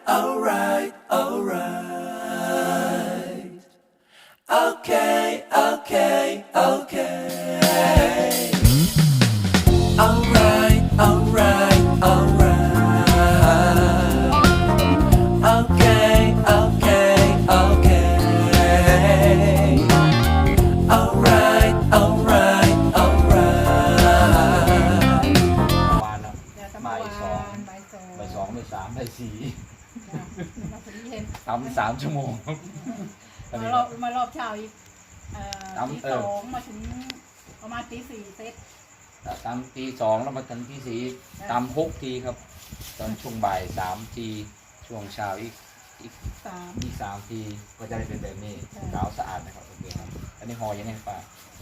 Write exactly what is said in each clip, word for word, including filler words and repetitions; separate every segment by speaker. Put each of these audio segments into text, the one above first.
Speaker 1: alright, alright. Okay, okay, okay. Alright, alright, alright. Okay, okay, okay. Alright, alright, alright.
Speaker 2: วานนะบ่ายสองบ่ายสองบ่ายสองบ่ายสามบ่ายสี่ทำสามชั่วโมง
Speaker 3: มารอบมารอบเช้าอีกตีสองมาถึงประมาณตีสี่เซต
Speaker 2: ตามตีสองแล้วมาถึงตีสี่ตามหกทีครับตอนช่วงบ่ายสามทีช่วงเช้าอีกอีก
Speaker 3: สาม
Speaker 2: อีกสามทีก็จะได้เป็นแบบนี้ขาวสะอาดนะครับโอเคครับอันนี้ห่อยังไงป้า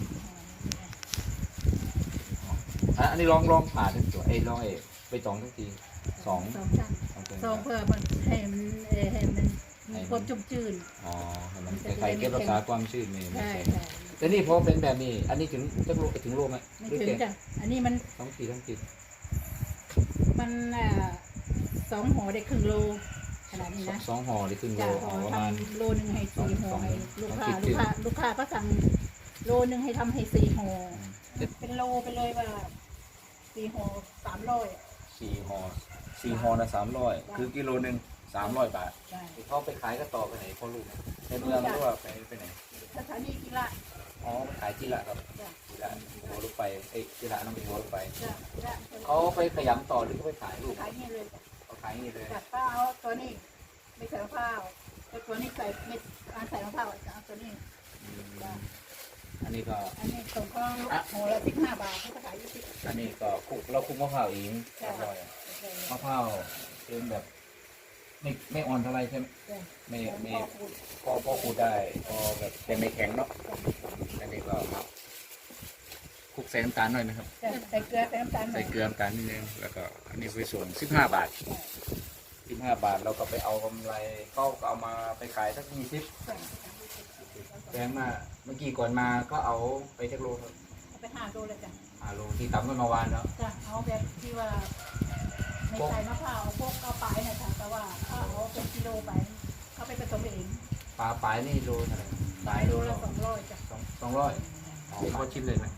Speaker 2: อันนี้ลองลองผ่าทั้งตัวเอ้ลองเอไปสองทั้งทีสอง
Speaker 3: สองชั้นสองเพื่อมันให้มันให้มันควบจุ่มจืด
Speaker 2: อ๋อมันคล้ายๆเก็บรักษาความชื้นนี่
Speaker 3: ใช่
Speaker 2: แต่นี่พอเป็นแบบนี้อันนี้ถึงจะโลถึงโลไหม
Speaker 3: ไม่ถึงจ้ะอันนี้มัน
Speaker 2: สองขีดสองขีด
Speaker 3: มันอ่าสองห่อได้ครึ่งโลขนาดนี้นะ
Speaker 2: สองห่อได้ครึ่งโล
Speaker 3: ประมาณโลนึงให้สี่ห่อให้ลูกค้าลูกค้าลูกค้าก็สั่งโลนึงให้ทำให้สี่ห่อเป็นโลไปเลยว่าสี่ห่อสามร้อย
Speaker 2: สี่ห่อสี่ห่อนะสามร้อยคือกิโลหนึ่งสามร้อยบาทเขาไปขายก็ต่อไปไหนพ่อลูกในเมืองหรือว่าไปไปไหน
Speaker 3: สถานีกีฬา
Speaker 2: อ๋อขายกีฬาครับกีฬาหัวลูกไปเอ้กีฬาน้องเป็นหัวลูกไปเขาไปขยำต่อหรือเขาไปขายลูก
Speaker 3: ขายนี่เลย
Speaker 2: เขาขายนี่เลย
Speaker 3: จัดข้าวตัวนี้ไม่ใส่ข้าวแต่ตัวนี้ใส่ไม่ใส่ข้าวเอาตัวนี้
Speaker 2: อันนี้ก็
Speaker 3: อันนี้ส่งข้าวโหละสิบห้าบาทเขาขายยี่สิบ
Speaker 2: อันนี้ก็คุกเราคุกมะพร้าวเองมะพร้าวเป็นแบบไม่ไม่อ่อนเท่าไรใช่ไหมไม่ไม่พอพอขูดได้พอแบบแต่ไม่แข็งเนาะอันนี้ก็คลุกใส่น้ำตาลหน่อยนะครับ
Speaker 3: ใส่เกลือใส่น้ำตาล
Speaker 2: ใส่เกลือน้ำตาลนิดนึงแล้วก็อันนี้ไปส่งสิบห้าบาทสิบห้าบาทเราก็ไปเอากำไรก็เอามาไปขายสักยี่สิบแพงมากเมื่อกี้ก่อนมาก็เอาไปเทคโลครับ
Speaker 3: ไปห้าโลเลยจ้ะ
Speaker 2: ห้าโลที่ตำกันมาวานเนาะ
Speaker 3: จ้ะเอาแบบที่ว่าไม่ใส่มะพร้าวพวกเอาปลายนะจ๊ะแต่ว่าเอาเป็นกิโลไปเขาไปผสมเอง
Speaker 2: ปลาปลายนี่โลเท่าไหร่
Speaker 3: ปลายโลละสองร้อยจ้ะ
Speaker 2: สองสองร้อยอ๋อพอชิมเลยไหม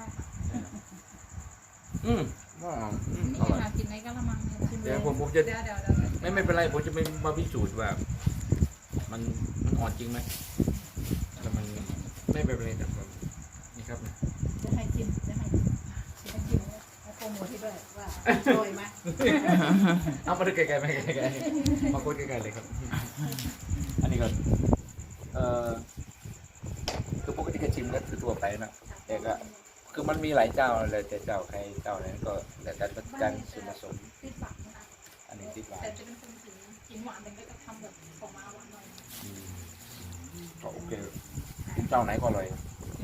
Speaker 2: อืมว่า
Speaker 3: นี่หากินในกะละมัง
Speaker 2: เดี๋ยวผมผมจะไม่ไม่เป็นไรผมจะไม่มาพิสูจน์ว่ามันมันอ่อนจริงไหมแต่มันไม่เป็นไรแต่ผมนี่ครับ
Speaker 3: จะให้ชิมจะให้จะให้ชิมเอาโปรโมทที่ด้วยว่าอร่อยไหม
Speaker 2: เอามาดูไกลๆไหมไกลๆมาพูดไกลๆเลยครับอันนี้ก็เอ่อคือปกติก็ชิมก็คือตัวไปนะแต่ก็คือมันมีหลายเจ้าเลยแต่เจ้าใครเจ้าไหนก็แต่การประกันส่วนผสมอันนี้ติดหวาน
Speaker 3: แต่จะเป็นคนกินกินหวานแต่ก็จะทำแบบออกมาหวานหน่อย
Speaker 2: ก็โอเคเจ้าไหนก็อร่อย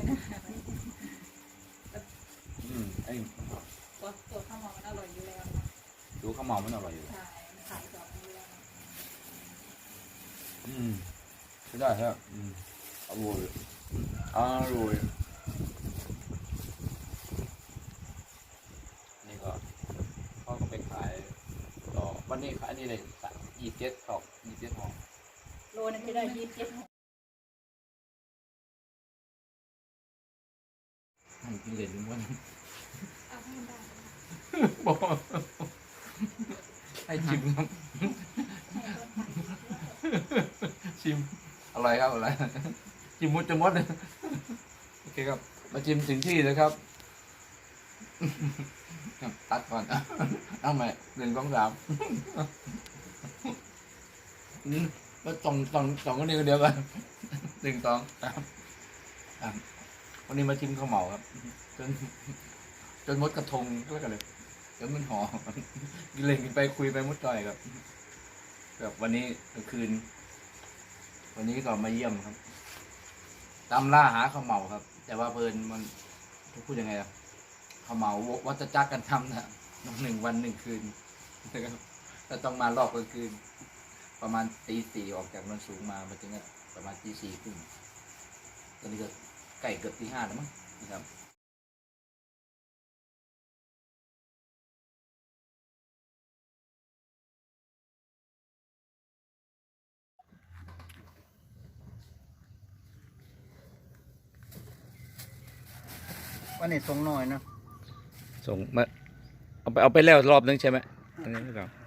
Speaker 2: อืมไอ้
Speaker 3: ตัวตัวข้าวหอมมันอร่อยอยู่แล้ว
Speaker 2: ดูข้าวหอมมันอร่อยอยู่
Speaker 3: ใช่ขายต่ออยู่แล้ว
Speaker 2: อืมใช่ได้ครับอืมอร่อยอร่อยนี่ก็พ่อก็ไปขายต่อวันนี้ขายนี่เลยยี่สิบเจ็ดตอกยี่สิบเจ็ดห่อ
Speaker 3: โลนึงจะได้ยี่สิบเจ็ดห่อ
Speaker 2: ให้กินเหรียญวันบอกให้ชิมครับชิมอร่อยครับอร่อยชิมมุดจะมดเลยโอเคครับมาชิมถึงที่เลยครับตัดก่อนเอาใหม่หนึ่งสองสามแล้วสองสองสองคนนี้คนเดียวกันหนึ่งสองสามวันนี้มาชิมข้าวเหมาครับจนจนมดกระทงก็แล้วกันเลยเดี๋ยวมันหอมกินเลยกินไปคุยไปมดจ่อยครับแบบวันนี้กลางคืนวันนี้ก็มาเยี่ยมครับตามล่าหาข้าวเหมาครับแต่ว่าเพลินมันพูดยังไงล่ะข้าวเหมาวัฏจักรกันทำนะหนึ่งวันหนึ่งคืนนะครับแต่ต้องมารอบกลางคืนประมาณตีสี่ออกจากนนสูงมามาถึงประมาณตีสี่ครึ่งตอนนี้ก็ไก่เกือบตีห้าแล้วมั้งนะครับ
Speaker 4: วันนี้ทรงน้อยเนาะ
Speaker 2: ส่งมาเอาไปเอาไปแล้วรอบนึงใช่ไหมอันนี้ไม่ต้อง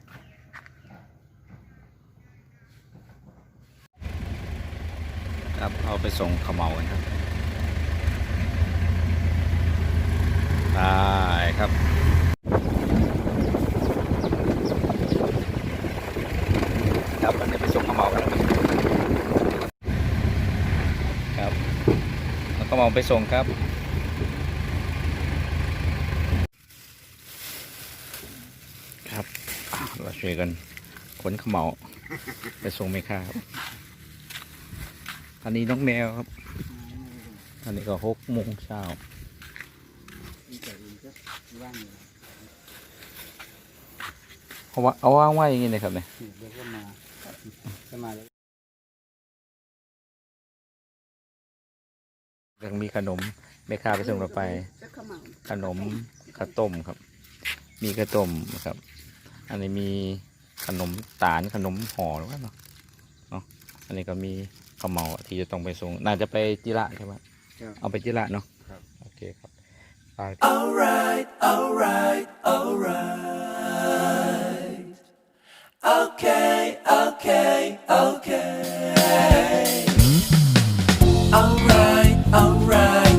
Speaker 2: ครับเอาไปส่งขมเหลากันครับได้ครับครับอันนี้ไปส่งขมเหลากันครับแล้วขมเหลาไปส่งครับครับอ่ะเราช่วยกันขนขมเหลาไปส่งแม่ค้าครับอันนี้น้องแมวครับอันนี้ก็หกโมงเช้า เอาว่าเอาว่างไว้อย่างนี้นะครับเนี่ย
Speaker 4: เดี๋ยวก็มาจะมาแล้ว
Speaker 2: ยังมีขนมแม่ค้าไปส่งเราไป ขนมข้าวต้มครับ มีข้าวต้มนะครับ อันนี้มีขนมตาลขนมห่อหรือเปล่าเนาะเนาะอันนี้ก็มีข้าวเหมาที่จะต้องไปส่งน่าจะไปจิระใช่ไหมเอาไปจิระเนาะโอเคครับไป
Speaker 1: Alright, alright, alright. Okay, okay, okay. Alright, alright,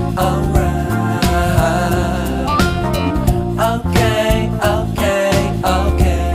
Speaker 1: alright. Okay, okay, okay.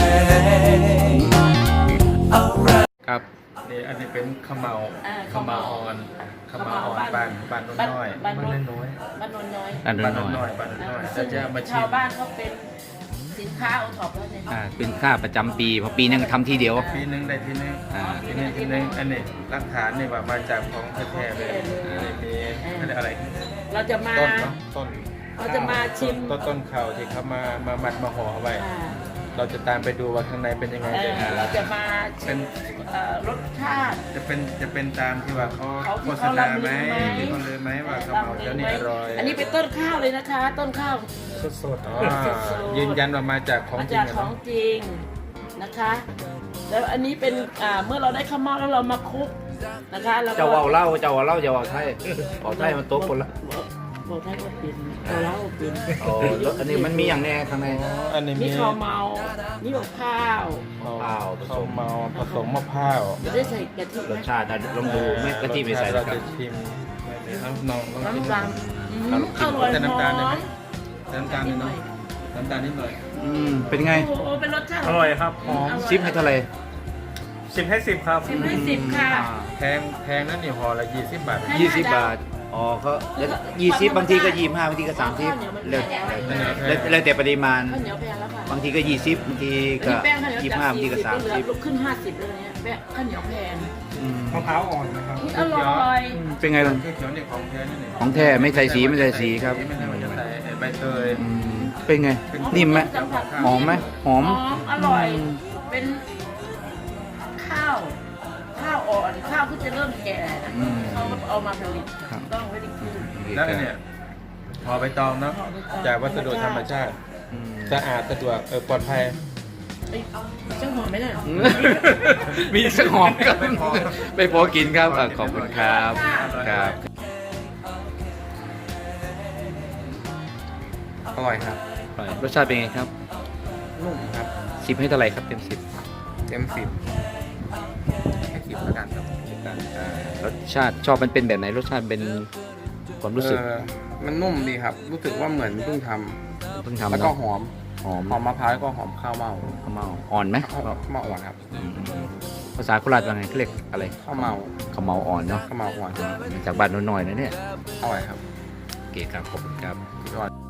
Speaker 1: Alright.
Speaker 2: ครับนี่อันนี้เป็นข้าวเหมา
Speaker 3: อ่า
Speaker 2: ข้าวเหมาอ่อนข้าวเหมาอ่อนบ้านบ้านน้อย
Speaker 3: บ้าน
Speaker 2: บ้าน
Speaker 3: น้อย
Speaker 2: น้อย
Speaker 3: บ้านโนนน้อย
Speaker 2: บ้าน
Speaker 4: บ้าน
Speaker 2: น้อย
Speaker 4: น้อยบ้านน้อย
Speaker 2: จะจะมาชิ
Speaker 3: ชาว
Speaker 2: ม
Speaker 3: บ้านเขาเป็นสินค้าโอท็อปแล้วเนี่ย
Speaker 2: อ่าเป็นค่าประจำปีเพราะปีหนึงทำทีเดียว
Speaker 4: ปีหนึงได้ทีหนึง
Speaker 2: อ่า
Speaker 4: ทีหนึงทีหนึงอันนี้หลักฐานนี่ว่ามาจากของแท้ๆเลยอันนี้มีอะไร
Speaker 3: เราจะมา
Speaker 4: ต้นเนาะต้น
Speaker 3: เราจะมาชิม
Speaker 4: ต้นต้นข้าวที่เขามามามัดมาห่อเอาไว้
Speaker 3: อ่า
Speaker 4: เราจะตามไปดูว่าข้างในเป็นยังไง
Speaker 3: เอ่อ
Speaker 4: เป็น
Speaker 3: เราจะมา
Speaker 4: เป็น
Speaker 3: เอ่อรสชาติ
Speaker 4: จะเป็นจะเป็นตามที่ว่าเขา
Speaker 3: เขาที่
Speaker 4: โฆษ
Speaker 3: เขา
Speaker 4: ณา
Speaker 3: ลำ
Speaker 4: ไหม
Speaker 3: ลือไหม
Speaker 4: ที่เขาเลยไหมว่าข้าวเหมาเจ้านี่อร่อย
Speaker 3: อันนี้เป็นต้นข้าวเลยนะคะ ต้นข้าว
Speaker 4: สดๆอ๋อยืนยันว่ามาจากของ
Speaker 3: มา
Speaker 4: จริ
Speaker 3: จาง ก
Speaker 4: อะ
Speaker 3: ของ
Speaker 4: เนาะ
Speaker 3: จริงนะคะ แล้วอันนี้เป็นอ่าเมื่อเราได้ข้าวเม่าแล้วเรามาคลุกนะคะแล้วก็
Speaker 2: เจ้าว่าเล่าเจ้าว่าเล่าเจ้าว่าไทยเอาไทยมันโต๊ะคนละ
Speaker 3: บอกไทยว่าเป็นเราเล่าเป็น
Speaker 2: โอ้แล้วอันนี้มันมีอย่างแน่ข้างใน
Speaker 4: อ๋ออันนี้
Speaker 3: มี
Speaker 4: มี
Speaker 3: ข้าวเมานี่บอกข้าว
Speaker 4: ข้าวข้าวเมาผสมมะพร้าว
Speaker 3: จะได้ใส่กะทิ
Speaker 2: ร
Speaker 3: ไหม
Speaker 2: สชาตินะลองดูไม่กะทิไม่ใส่
Speaker 4: เรา
Speaker 2: นะครั
Speaker 4: จะ
Speaker 2: บ
Speaker 4: ชิมน้ำนองลองชิม
Speaker 3: น้ำตาลอืมอร่อย
Speaker 4: แต่
Speaker 3: ห
Speaker 4: น้ำ
Speaker 3: อ
Speaker 4: ตาลได้ไหม
Speaker 3: ม
Speaker 4: น้ำตาลนิดหน่อยน้ำตาลนิดหน่อย
Speaker 2: อืมเป็นไง
Speaker 3: โอ้โหเป็นรสชาติ
Speaker 4: อร่อยครับหอม
Speaker 2: ซิปให้เท่าไหร่
Speaker 4: สิบให้สิบครับ
Speaker 3: สิบให้สิบค่ะ
Speaker 4: แพงแพงนั่นนี่ห่อละยี่สิบบาท
Speaker 3: ให้
Speaker 2: ยี่สิบบาทอ๋อเขายี่สิบบางทีก็ยี่ห้าบางทีก็สามสิบแล้วแล้วแล้วแต่ปริมาณ
Speaker 3: ข้าวเหนียวแพงแล้วค่ะ
Speaker 2: บางทีก็ยี่สิบบางที
Speaker 3: อัน
Speaker 2: ก็
Speaker 3: นี้แป้งข้าวเหนียว
Speaker 2: ยี่
Speaker 3: จาก
Speaker 2: ห้าบางทีก็
Speaker 3: สี่สิบ
Speaker 2: สาม
Speaker 3: เหลื
Speaker 2: สิ
Speaker 3: อบ ลุกขึ้นห้าสิบเลยเนี่ยแป้งข้าวเหนียวแพง
Speaker 2: อืม
Speaker 4: มะพร้าวอ่อนนะครับ
Speaker 3: นี่อร่อย
Speaker 2: เป็นไงล่ะ
Speaker 4: เขียวๆนี่ของแท้นี่นี่
Speaker 2: ของแท้ไม่ใส่สีไม่ใส่สีครับ
Speaker 4: ไม่ใช่มันจะใส่ใบเตย
Speaker 2: อืมเป็นไงนิ่มไหมหอมไหมหอม
Speaker 3: หอมอร่อย เป็นข้าว ข้าวอ่อน ข้าวที่จะเริ่มแก่นะ
Speaker 2: อืม
Speaker 3: เขาเอามาผลิต
Speaker 2: ครับ
Speaker 3: ต้องไว้ดีคืน
Speaker 4: แล้วอันเนี่ยห่อใบตองเนาะ
Speaker 3: ห่อใบตอง
Speaker 4: จากวัสดุธรรมชาติ
Speaker 2: อืม
Speaker 4: สะอาดสะดวกเออปลอดภัย
Speaker 3: เอ้ยเจ้าหอมไหมเนี่ย
Speaker 2: มีสักหอมครับไม่พอกินครับอ่ะขอบคุณครับครับ
Speaker 4: อร่อยครับ
Speaker 2: รสชาติเป็นไงครับ
Speaker 4: นุ่มครับ
Speaker 2: สิบให้เท่าไหร่ครับเต็มสิบ
Speaker 4: เต็มสิบให้สิบแล้วกันครับ
Speaker 2: รสชาติชอบมันเป็นแบบไหนรสชาติเป็นความรู้สึก
Speaker 5: เออมันนุ่มดีครับ รู้สึกว่าเหมือนเพิ่งท
Speaker 2: เพิ่ง
Speaker 5: ำ
Speaker 2: ทำ
Speaker 5: แล้วก็
Speaker 2: เนาะ
Speaker 5: หอม
Speaker 2: หอม
Speaker 5: หอมมะพร้าวแล้วก็หอมข้าวเมา
Speaker 2: ข้าวเมาอ่อนไหม
Speaker 5: ข้าวข้าวเมาอ่อนครับ
Speaker 2: อืมภาษาโคราชว่าไงเขาเรียกอะไร
Speaker 5: ข้าวเมา
Speaker 2: ข้าวเมาอ่อนเนาะ
Speaker 5: ข้าวเมาอ่อน
Speaker 2: มาจากบ้านน้อยๆนะเนี่ย
Speaker 5: อร่อยครับ
Speaker 2: โอเคครับขอบคุณครับ
Speaker 5: อร่อย